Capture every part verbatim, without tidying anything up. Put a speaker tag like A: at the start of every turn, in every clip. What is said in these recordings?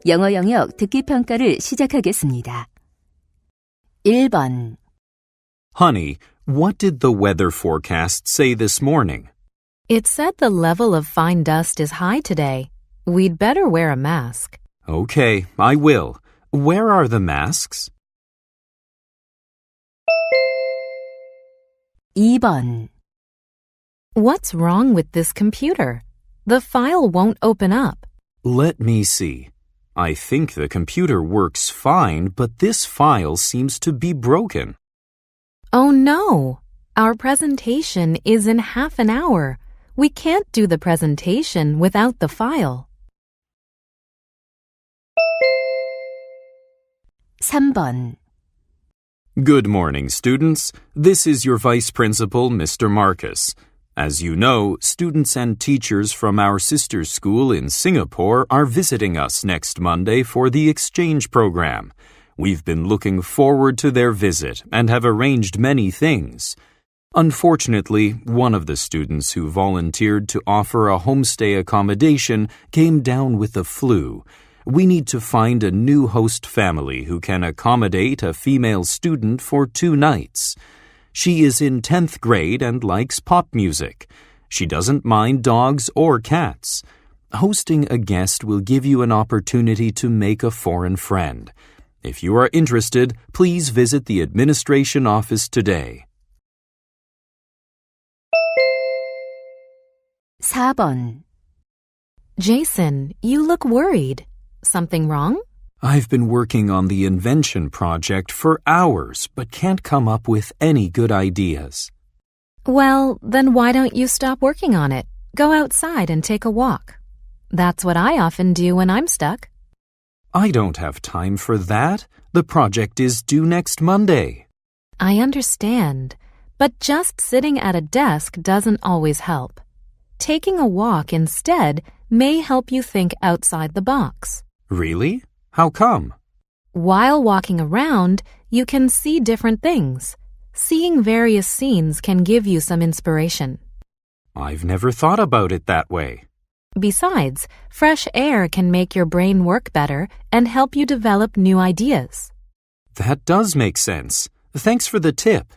A: 영어 영역 듣기 평가를 시작하겠습니다. 일 번.
B: Honey, what did the weather forecast say this morning?
C: It said the level of fine dust is high today. We'd better wear a mask.
B: Okay, I will. Where are the masks?
A: 이 번.
C: What's wrong with this computer? The file won't open up.
B: Let me see. I think the computer works fine, but this file seems to be broken.
C: Oh no! Our presentation is in half an hour. We can't do the presentation without the file.
A: 삼 번.
B: Good morning, students. This is your Vice Principal, Mister Marcus. As you know, students and teachers from our sister school in Singapore are visiting us next Monday for the exchange program. We've been looking forward to their visit and have arranged many things. Unfortunately, one of the students who volunteered to offer a homestay accommodation came down with the flu. We need to find a new host family who can accommodate a female student for two nights. She is in tenth grade and likes pop music. She doesn't mind dogs or cats. Hosting a guest will give you an opportunity to make a foreign friend. If you are interested, please visit the administration office today.
A: 사 번.
C: Jason, you look worried. Something wrong?
B: I've been working on the invention project for hours, but can't come up with any good ideas.
C: Well, then why don't you stop working on it? Go outside and take a walk. That's what I often do when I'm stuck.
B: I don't have time for that. The project is due next Monday.
C: I understand, but just sitting at a desk doesn't always help. Taking a walk instead may help you think outside the box.
B: Really? How come?
C: While walking around, you can see different things. Seeing various scenes can give you some inspiration.
B: I've never thought about it that way.
C: Besides, fresh air can make your brain work better and help you develop new ideas.
B: That does make sense. Thanks for the tip.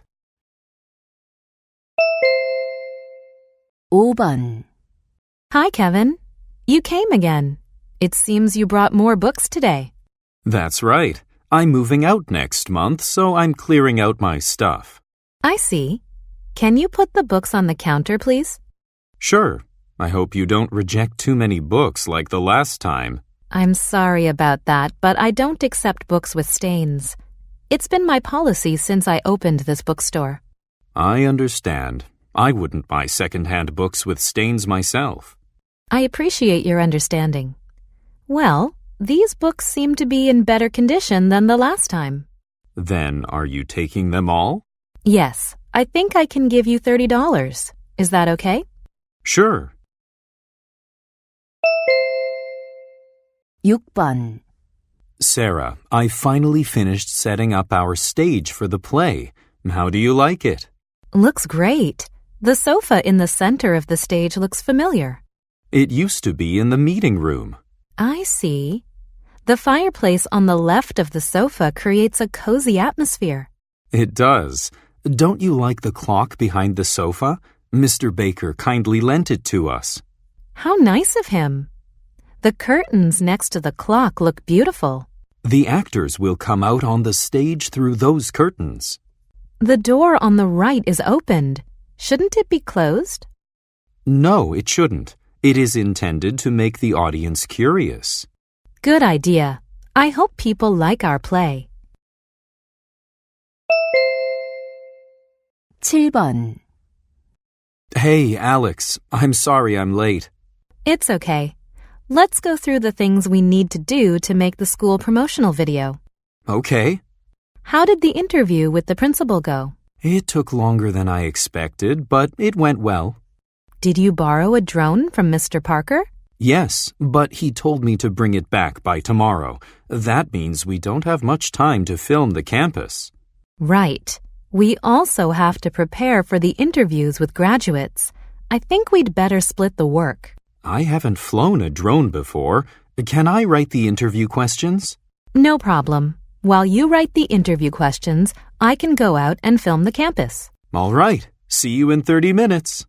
A: 오 번.
C: Hi, Kevin. You came again. It seems you brought more books today.
B: That's right. I'm moving out next month, so I'm clearing out my stuff.
C: I see. Can you put the books on the counter, please?
B: Sure. I hope you don't reject too many books like the last time.
C: I'm sorry about that, but I don't accept books with stains. It's been my policy since I opened this bookstore.
B: I understand. I wouldn't buy second-hand books with stains myself.
C: I appreciate your understanding. Well, these books seem to be in better condition than the last time.
B: Then are you taking them all?
C: Yes, I think I can give you thirty dollars. Is that okay?
B: Sure.
A: 육 번.
B: Sarah, I finally finished setting up our stage for the play. How do you like it?
C: Looks great. The sofa in the center of the stage looks familiar.
B: It used to be in the meeting room.
C: I see. The fireplace on the left of the sofa creates a cozy atmosphere.
B: It does. Don't you like the clock behind the sofa? Mister Baker kindly lent it to us.
C: How nice of him. The curtains next to the clock look beautiful.
B: The actors will come out on the stage through those curtains.
C: The door on the right is opened. Shouldn't it be closed?
B: No, it shouldn't. It is intended to make the audience curious.
C: Good idea. I hope people like our play.
A: 칠 번.
B: Hey, Alex. I'm sorry I'm late.
C: It's okay. Let's go through the things we need to do to make the school promotional video.
B: Okay.
C: How did the interview with the principal go?
B: It took longer than I expected, but it went well.
C: Did you borrow a drone from Mister Parker?
B: Yes, but he told me to bring it back by tomorrow. That means we don't have much time to film the campus.
C: Right. We also have to prepare for the interviews with graduates. I think we'd better split the work.
B: I haven't flown a drone before. Can I write the interview questions?
C: No problem. While you write the interview questions, I can go out and film the campus.
B: All right. See you in thirty minutes.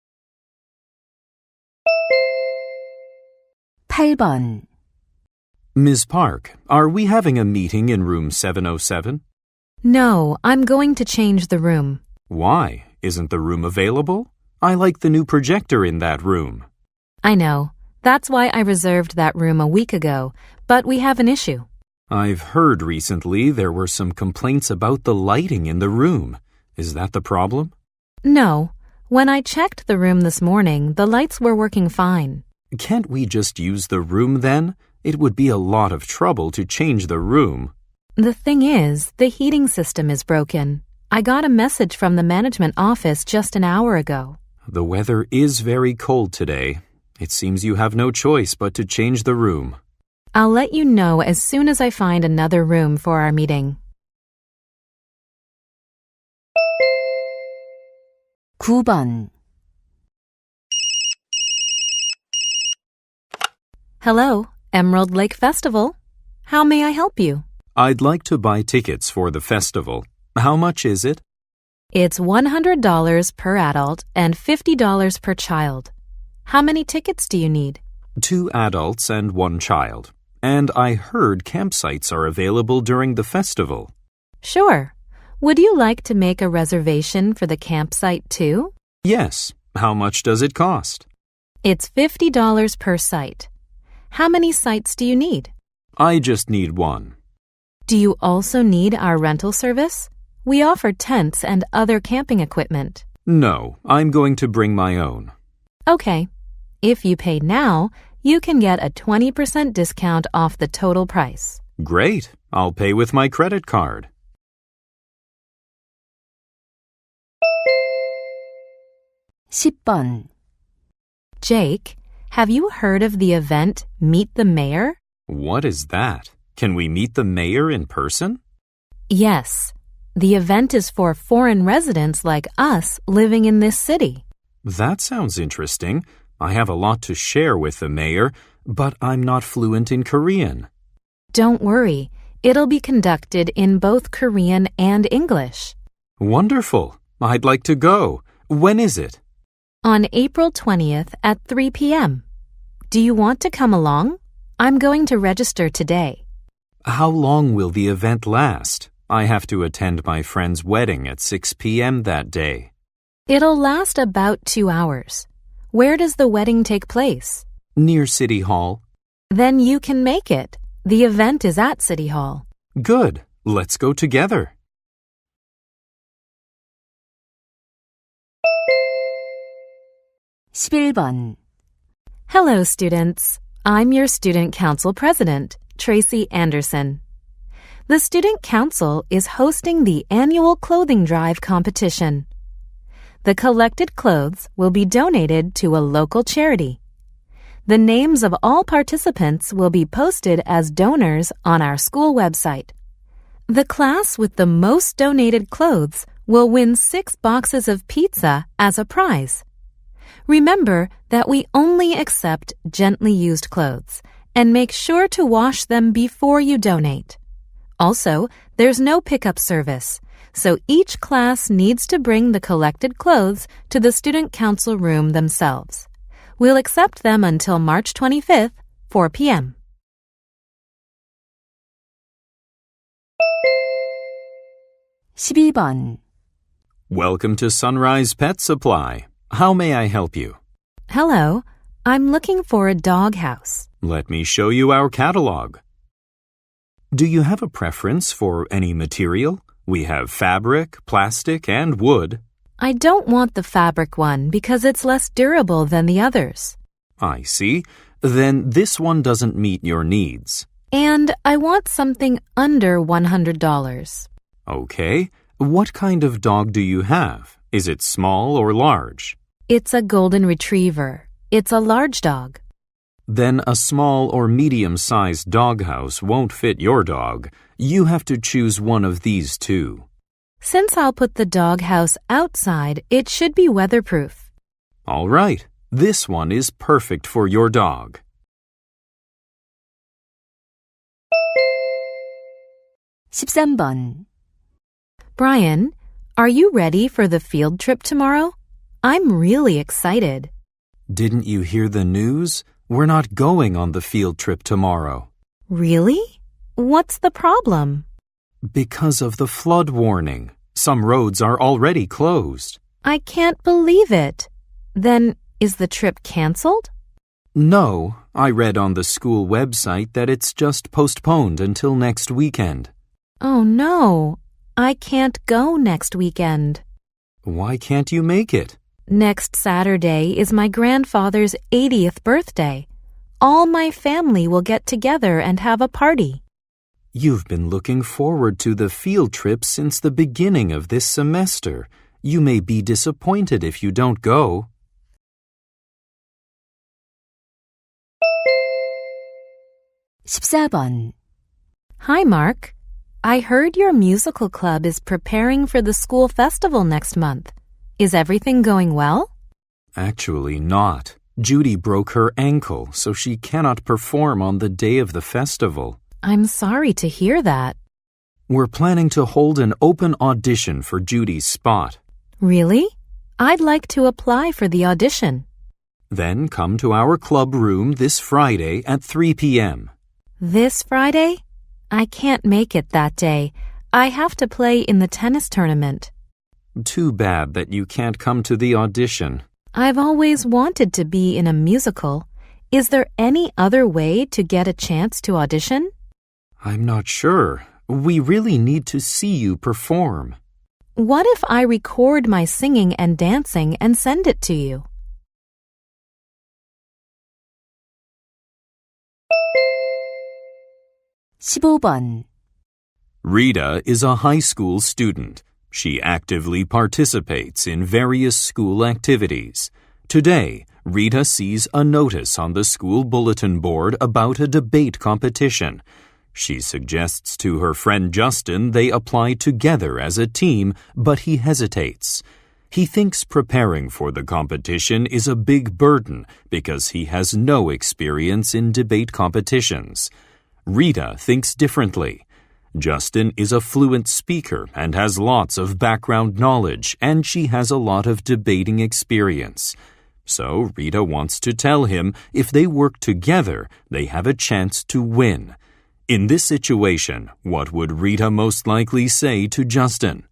A: 팔 번.
B: Miz Park, are we having a meeting in room seven oh seven?
C: No, I'm going to change the room.
B: Why? Isn't the room available? I like the new projector in that room.
C: I know. That's why I reserved that room a week ago, but we have an issue.
B: I've heard recently there were some complaints about the lighting in the room. Is that the problem?
C: No. When I checked the room this morning, the lights were working fine.
B: Can't we just use the room then? It would be a lot of trouble to change the room.
C: The thing is, the heating system is broken. I got a message from the management office just an hour ago.
B: The weather is very cold today. It seems you have no choice but to change the room.
C: I'll let you know as soon as I find another room for our meeting.
A: 구 번.
C: Hello, Emerald Lake Festival. How may I help you?
B: I'd like to buy tickets for the festival. How much is it?
C: It's one hundred dollars per adult and fifty dollars per child. How many tickets do you need?
B: Two adults and one child. And I heard campsites are available during the festival.
C: Sure. Would you like to make a reservation for the campsite too?
B: Yes. How much does it cost?
C: It's fifty dollars per site. How many sites do you need?
B: I just need one.
C: Do you also need our rental service? We offer tents and other camping equipment.
B: No, I'm going to bring my own.
C: Okay. If you pay now, you can get a twenty percent discount off the total price.
B: Great. I'll pay with my credit card.
A: 십 번.
C: Jake, have you heard of the event Meet the Mayor?
B: What is that? Can we meet the mayor in person?
C: Yes. The event is for foreign residents like us living in this city.
B: That sounds interesting. I have a lot to share with the mayor, but I'm not fluent in Korean.
C: Don't worry. It'll be conducted in both Korean and English.
B: Wonderful. I'd like to go. When is it?
C: On April twentieth at three p.m. Do you want to come along? I'm going to register today.
B: How long will the event last? I have to attend my friend's wedding at six p.m. that day.
C: It'll last about two hours. Where does the wedding take place?
B: Near City Hall.
C: Then you can make it. The event is at City Hall.
B: Good. Let's go together.
A: 십일 번.
C: Hello, students. I'm your Student Council President, Tracy Anderson. The Student Council is hosting the annual clothing drive competition. The collected clothes will be donated to a local charity. The names of all participants will be posted as donors on our school website. The class with the most donated clothes will win six boxes of pizza as a prize. Remember that we only accept gently used clothes and make sure to wash them before you donate. Also, there's no pickup service, so each class needs to bring the collected clothes to the Student Council room themselves. We'll accept them until March twenty-fifth, four p.m.
A: 십이 번.
B: Welcome to Sunrise Pet Supply. How may I help you?
C: Hello, I'm looking for a dog house.
B: Let me show you our catalog. Do you have a preference for any material? We have fabric, plastic, and wood.
C: I don't want the fabric one because it's less durable than the others.
B: I see. Then this one doesn't meet your needs.
C: And I want something under one hundred dollars.
B: Okay. What kind of dog do you have? Is it small or large?
C: It's a golden retriever. It's a large dog.
B: Then a small or medium-sized doghouse won't fit your dog. You have to choose one of these two.
C: Since I'll put the doghouse outside, it should be weatherproof.
B: All right. This one is perfect for your dog.
A: 십삼 번.
C: Brian, are you ready for the field trip tomorrow? I'm really excited.
B: Didn't you hear the news? We're not going on the field trip tomorrow.
C: Really? What's the problem?
B: Because of the flood warning. Some roads are already closed.
C: I can't believe it. Then, is the trip canceled?
B: No, I read on the school website that it's just postponed until next weekend.
C: Oh no, I can't go next weekend.
B: Why can't you make it?
C: Next Saturday is my grandfather's eightieth birthday. All my family will get together and have a party.
B: You've been looking forward to the field trip since the beginning of this semester. You may be disappointed if you don't go.
A: 십사 번.
C: Hi, Mark. I heard your musical club is preparing for the school festival next month. Is everything going well?
B: Actually not. Judy broke her ankle, so she cannot perform on the day of the festival.
C: I'm sorry to hear that.
B: We're planning to hold an open audition for Judy's spot.
C: Really? I'd like to apply for the audition.
B: Then come to our club room this Friday at three p.m.
C: This Friday? I can't make it that day. I have to play in the tennis tournament.
B: Too bad that you can't come to the audition.
C: I've always wanted to be in a musical. Is there any other way to get a chance to audition?
B: I'm not sure. We really need to see you perform.
C: What if I record my singing and dancing and send it to you?
A: 십오 번.
B: Rita is a high school student. She actively participates in various school activities. Today, Rita sees a notice on the school bulletin board about a debate competition. She suggests to her friend Justin they apply together as a team, but he hesitates. He thinks preparing for the competition is a big burden because he has no experience in debate competitions. Rita thinks differently. Justin is a fluent speaker and has lots of background knowledge, and she has a lot of debating experience. So Rita wants to tell him if they work together, they have a chance to win. In this situation, what would Rita most likely say to Justin?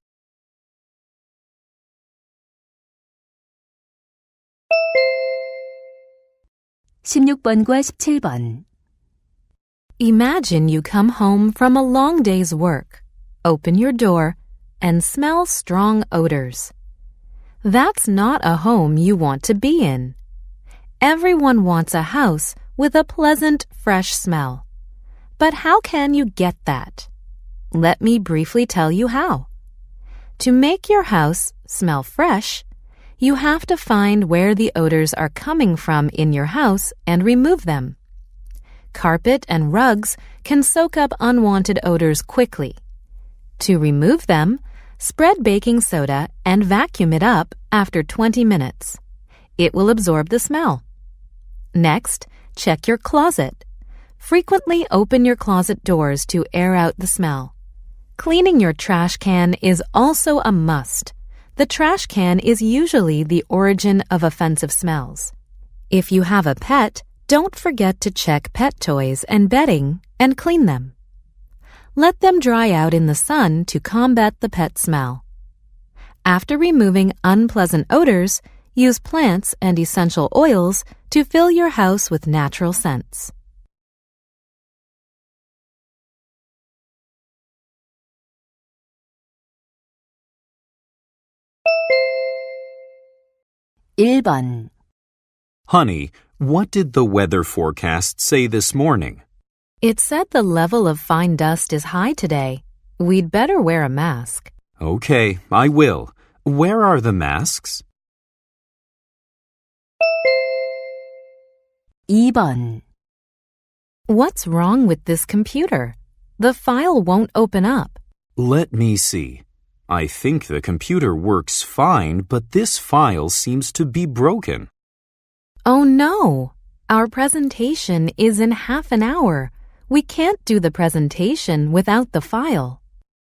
A: 십육 번과 십칠 번.
C: Imagine you come home from a long day's work, open your door, and smell strong odors. That's not a home you want to be in. Everyone wants a house with a pleasant, fresh smell. But how can you get that? Let me briefly tell you how. To make your house smell fresh, you have to find where the odors are coming from in your house and remove them. Carpet and rugs can soak up unwanted odors quickly. To remove them, spread baking soda and vacuum it up after twenty minutes. It will absorb the smell. Next, check your closet. Frequently open your closet doors to air out the smell. Cleaning your trash can is also a must. The trash can is usually the origin of offensive smells. If you have a pet, don't forget to check pet toys and bedding and clean them. Let them dry out in the sun to combat the pet smell. After removing unpleasant odors, use plants and essential oils to fill your house with natural scents.
A: 일 번.
B: Honey, what did the weather forecast say this morning?
C: It said the level of fine dust is high today. We'd better wear a mask.
B: Okay, I will. Where are the masks?
A: 이 번.
C: What's wrong with this computer? The file won't open up.
B: Let me see. I think the computer works fine, but this file seems to be broken.
C: Oh no! Our presentation is in half an hour. We can't do the presentation without the file.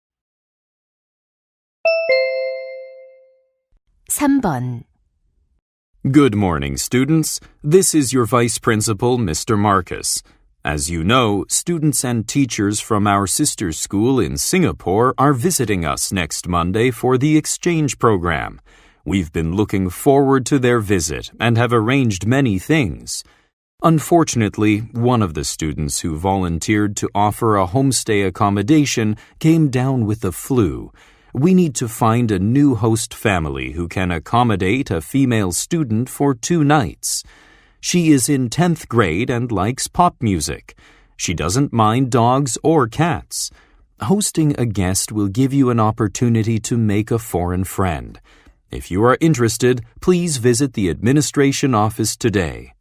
A: 삼 번.
B: Good morning, students. This is your Vice Principal, Mister Marcus. As you know, students and teachers from our sister school in Singapore are visiting us next Monday for the exchange program. We've been looking forward to their visit and have arranged many things. Unfortunately, one of the students who volunteered to offer a homestay accommodation came down with the flu. We need to find a new host family who can accommodate a female student for two nights. She is in tenth grade and likes pop music. She doesn't mind dogs or cats. Hosting a guest will give you an opportunity to make a foreign friend. If you are interested, please visit the administration office today.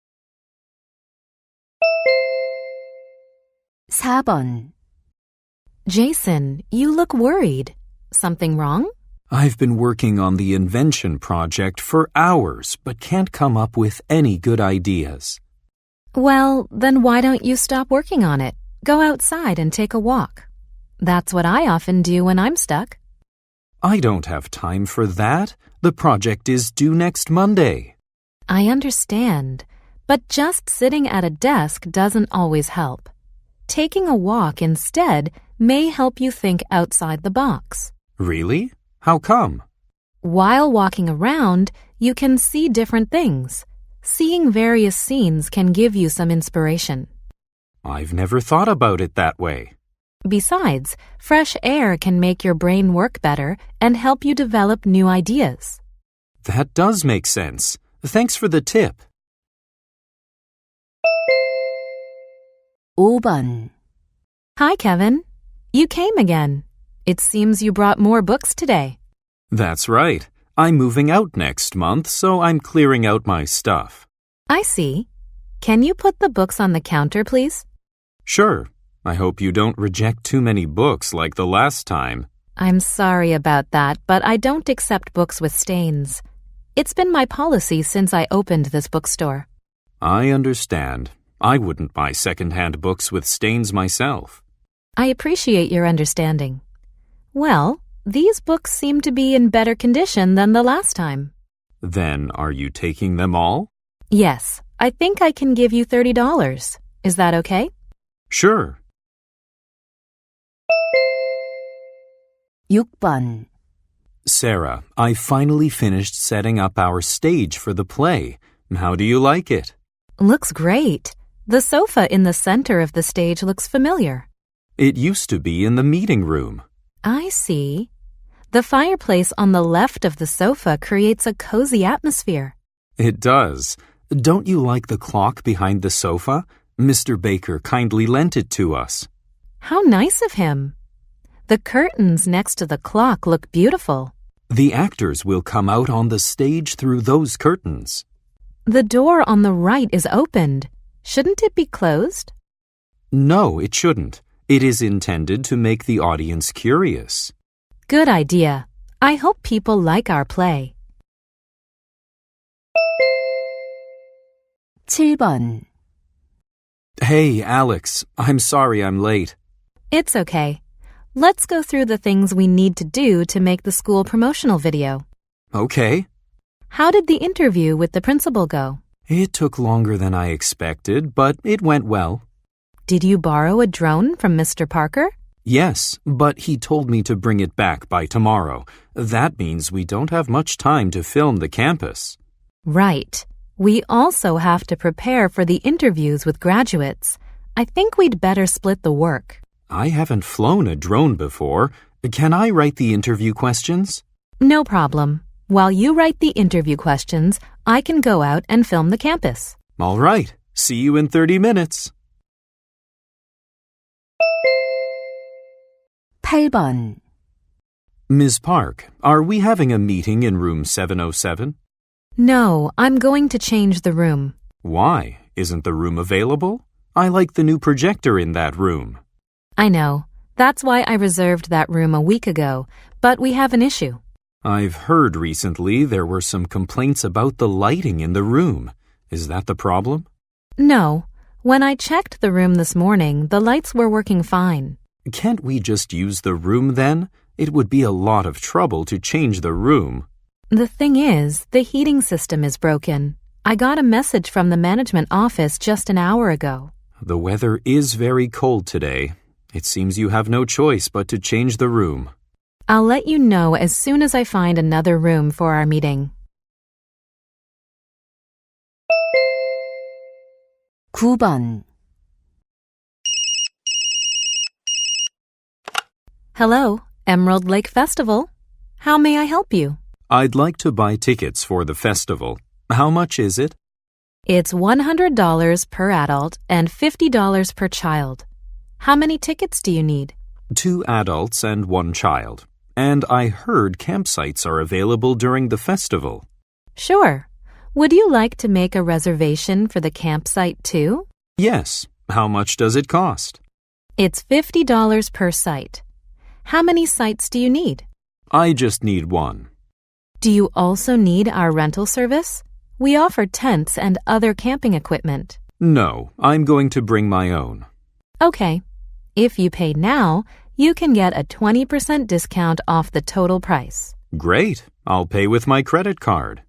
A: 사 번.
C: Jason, you look worried. Something wrong?
B: I've been working on the invention project for hours, but can't come up with any good ideas.
C: Well, then why don't you stop working on it? Go outside and take a walk. That's what I often do when I'm stuck.
B: I don't have time for that. The project is due next Monday.
C: I understand, but just sitting at a desk doesn't always help. Taking a walk instead may help you think outside the box.
B: Really? How come?
C: While walking around, you can see different things. Seeing various scenes can give you some inspiration.
B: I've never thought about it that way.
C: Besides, fresh air can make your brain work better and help you develop new ideas.
B: That does make sense. Thanks for the tip.
A: 오 번.
C: Hi, Kevin. You came again. It seems you brought more books today.
B: That's right. I'm moving out next month, so I'm clearing out my stuff.
C: I see. Can you put the books on the counter, please?
B: Sure. I hope you don't reject too many books like the last time.
C: I'm sorry about that, but I don't accept books with stains. It's been my policy since I opened this bookstore.
B: I understand. I wouldn't buy second-hand books with stains myself.
C: I appreciate your understanding. Well, these books seem to be in better condition than the last time.
B: Then are you taking them all?
C: Yes, I think I can give you thirty dollars. Is that okay?
B: Sure.
A: 육 번.
B: Sarah, I finally finished setting up our stage for the play. How do you like it?
C: Looks great. The sofa in the center of the stage looks familiar.
B: It used to be in the meeting room.
C: I see. The fireplace on the left of the sofa creates a cozy atmosphere.
B: It does. Don't you like the clock behind the sofa? Mister Baker kindly lent it to us.
C: How nice of him. The curtains next to the clock look beautiful.
B: The actors will come out on the stage through those curtains.
C: The door on the right is opened. Shouldn't it be closed?
B: No, it shouldn't. It is intended to make the audience curious.
C: Good idea. I hope people like our play.
A: 칠 번.
B: Hey, Alex. I'm sorry I'm late.
C: It's okay. Let's go through the things we need to do to make the school promotional video.
B: Okay.
C: How did the interview with the principal go?
B: It took longer than I expected, but it went well.
C: Did you borrow a drone from Mister Parker?
B: Yes, but he told me to bring it back by tomorrow. That means we don't have much time to film the campus.
C: Right. We also have to prepare for the interviews with graduates. I think we'd better split the work.
B: I haven't flown a drone before. Can I write the interview questions?
C: No problem. While you write the interview questions, I can go out and film the campus.
B: All right. See you in thirty minutes.
A: 팔 번.
B: Miz Park, are we having a meeting in room seven oh seven?
C: No, I'm going to change the room.
B: Why? Isn't the room available? I like the new projector in that room.
C: I know. That's why I reserved that room a week ago, but we have an issue.
B: I've heard recently there were some complaints about the lighting in the room. Is that the problem?
C: No, When I checked the room this morning, the lights were working fine.
B: Can't we just use the room then? It would be a lot of trouble to change the room.
C: The thing is, the heating system is broken. I got a message from the management office just an hour ago.
B: The weather is very cold today. It seems you have no choice but to change the room.
C: I'll let you know as soon as I find another room for our meeting.
A: 구 번.
C: Hello, Emerald Lake Festival. How may I help you?
B: I'd like to buy tickets for the festival. How much is it?
C: It's one hundred dollars per adult and fifty dollars per child. How many tickets do you need?
B: Two adults and one child. And I heard campsites are available during the festival.
C: Sure. Would you like to make a reservation for the campsite too?
B: Yes. How much does it cost?
C: It's fifty dollars per site. How many sites do you need?
B: I just need one.
C: Do you also need our rental service? We offer tents and other camping equipment.
B: No, I'm going to bring my own.
C: Okay. If you pay now, you can get a twenty percent discount off the total price.
B: Great. I'll pay with my credit card.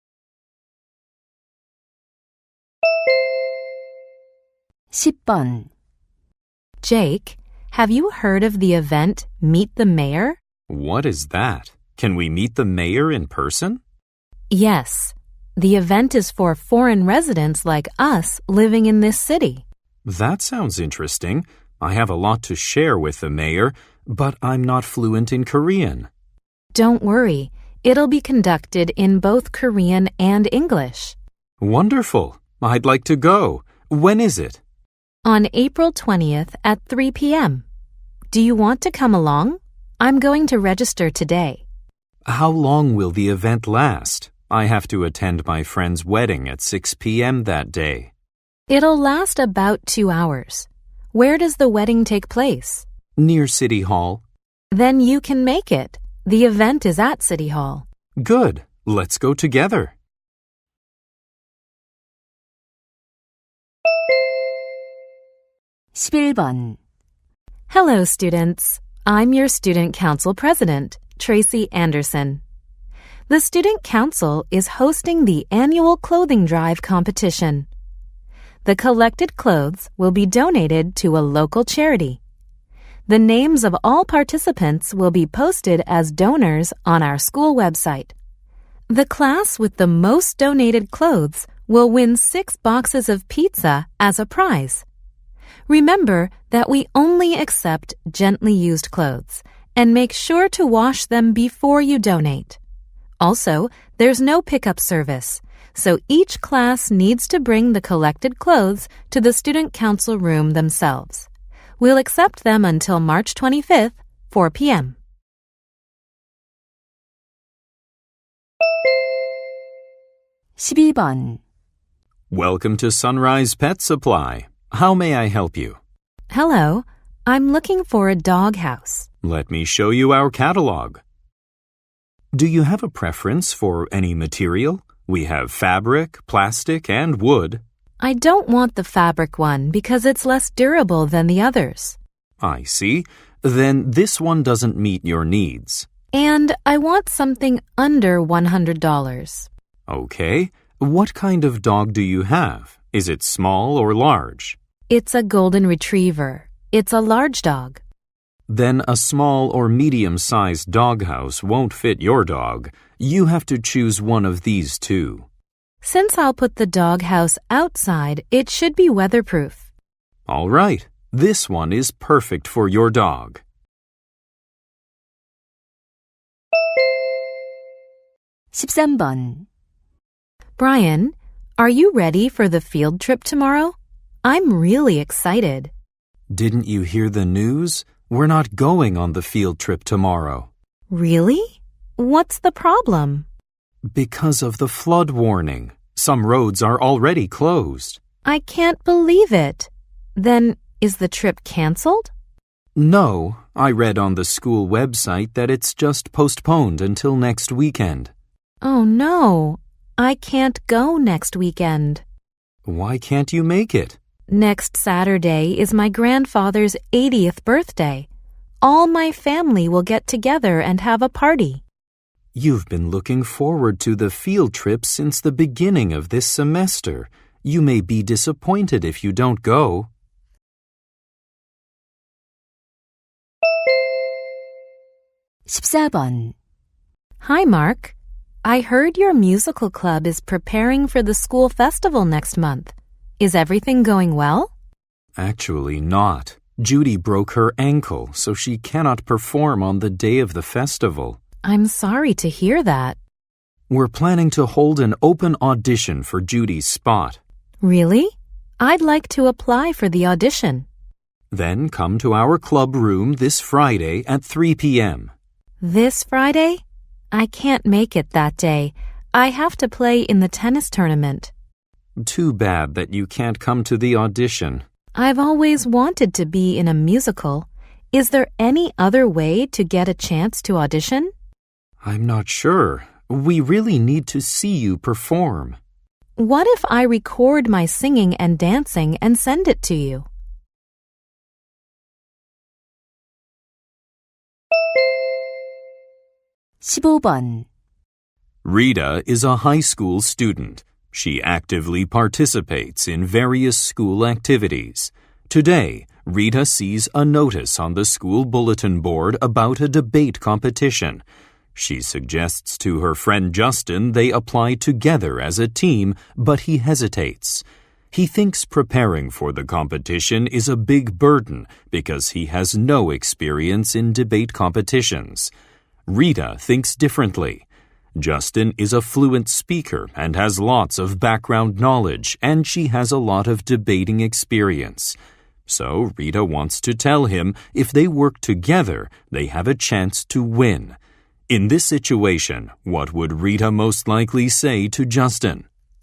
A: 십 번.
C: Jake, have you heard of the event Meet the Mayor?
B: What is that? Can we meet the mayor in person?
C: Yes. The event is for foreign residents like us living in this city.
B: That sounds interesting. I have a lot to share with the mayor, but I'm not fluent in Korean.
C: Don't worry. It'll be conducted in both Korean and English.
B: Wonderful. I'd like to go. When is it?
C: On April twentieth at three p.m. Do you want to come along? I'm going to register today.
B: How long will the event last? I have to attend my friend's wedding at six p.m. that day.
C: It'll last about two hours. Where does the wedding take place?
B: Near City Hall.
C: Then you can make it. The event is at City Hall.
B: Good. Let's go together.
A: 십일 번.
C: Hello, students. I'm your Student Council President, Tracy Anderson. The Student Council is hosting the annual clothing drive competition. The collected clothes will be donated to a local charity. The names of all participants will be posted as donors on our school website. The class with the most donated clothes will win six boxes of pizza as a prize. Remember that we only accept gently used clothes and make sure to wash them before you donate. Also, there's no pickup service, so each class needs to bring the collected clothes to the Student Council room themselves. We'll accept them until March twenty-fifth, four p.m.
A: 십이 번.
B: Welcome to Sunrise Pet Supply. How may I help you?
C: Hello, I'm looking for a dog house.
B: Let me show you our catalog. Do you have a preference for any material? We have fabric, plastic, and wood.
C: I don't want the fabric one because it's less durable than the others.
B: I see. Then this one doesn't meet your needs.
C: And I want something under one hundred dollars.
B: Okay. What kind of dog do you have? Is it small or large?
C: It's a golden retriever. It's a large dog.
B: Then a small or medium-sized doghouse won't fit your dog. You have to choose one of these two.
C: Since I'll put the doghouse outside, it should be weatherproof.
B: All right. This one is perfect for your dog.
A: 십삼 번.
C: Brian, are you ready for the field trip tomorrow? I'm really excited.
B: Didn't you hear the news? We're not going on the field trip tomorrow.
C: Really? What's the problem?
B: Because of the flood warning. Some roads are already closed.
C: I can't believe it. Then, is the trip canceled?
B: No, I read on the school website that it's just postponed until next weekend.
C: Oh no, I can't go next weekend.
B: Why can't you make it?
C: Next Saturday is my grandfather's eightieth birthday. All my family will get together and have a party.
B: You've been looking forward to the field trip since the beginning of this semester. You may be disappointed if you don't go.
A: 십사 번.
C: Hi, Mark. I heard your musical club is preparing for the school festival next month. Is everything going well?
B: Actually not. Judy broke her ankle, so she cannot perform on the day of the festival.
C: I'm sorry to hear that.
B: We're planning to hold an open audition for Judy's spot.
C: Really? I'd like to apply for the audition.
B: Then come to our club room this Friday at three p.m.
C: This Friday? I can't make it that day. I have to play in the tennis tournament.
B: Too bad that you can't come to the audition.
C: I've always wanted to be in a musical. Is there any other way to get a chance to audition?
B: I'm not sure. We really need to see you perform.
C: What if I record my singing and dancing and send it to you?
A: 십오 번.
B: Rita is a high school student. She actively participates in various school activities. Today, Rita sees a notice on the school bulletin board about a debate competition. She suggests to her friend Justin they apply together as a team, but he hesitates. He thinks preparing for the competition is a big burden because he has no experience in debate competitions. Rita thinks differently. Justin is a fluent speaker and has lots of background knowledge, and she has a lot of debating experience. So Rita wants to tell him if they work together, they have a chance to win. In this situation, what would Rita most likely say to Justin?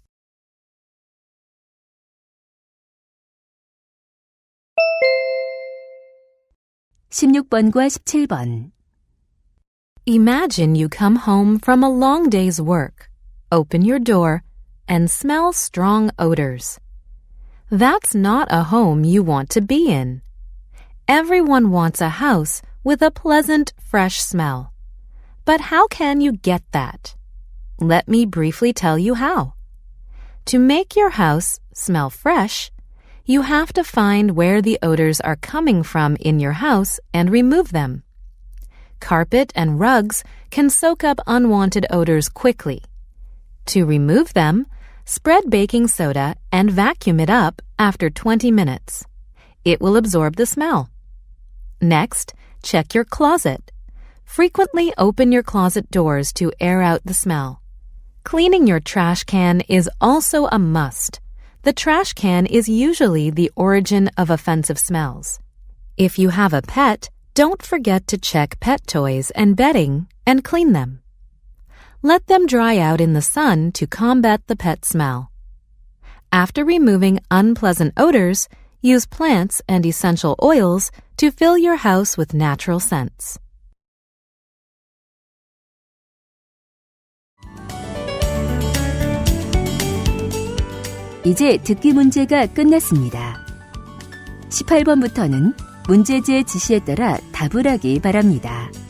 A: 십육 번과 십칠 번.
C: Imagine you come home from a long day's work, open your door, and smell strong odors. That's not a home you want to be in. Everyone wants a house with a pleasant, fresh smell. But how can you get that? Let me briefly tell you how. To make your house smell fresh, you have to find where the odors are coming from in your house and remove them. Carpet and rugs can soak up unwanted odors quickly. To remove them, spread baking soda and vacuum it up after twenty minutes. It will absorb the smell. Next, check your closet. Frequently open your closet doors to air out the smell. Cleaning your trash can is also a must. The trash can is usually the origin of offensive smells. If you have a pet, don't forget to check pet toys and bedding and clean them. Let them dry out in the sun to combat the pet smell. After removing unpleasant odors, use plants and essential oils to fill your house with natural scents.
A: 이제 듣기 문제가 끝났습니다. 십팔 번부터는 문제지의 지시에 따라 답을 하기 바랍니다.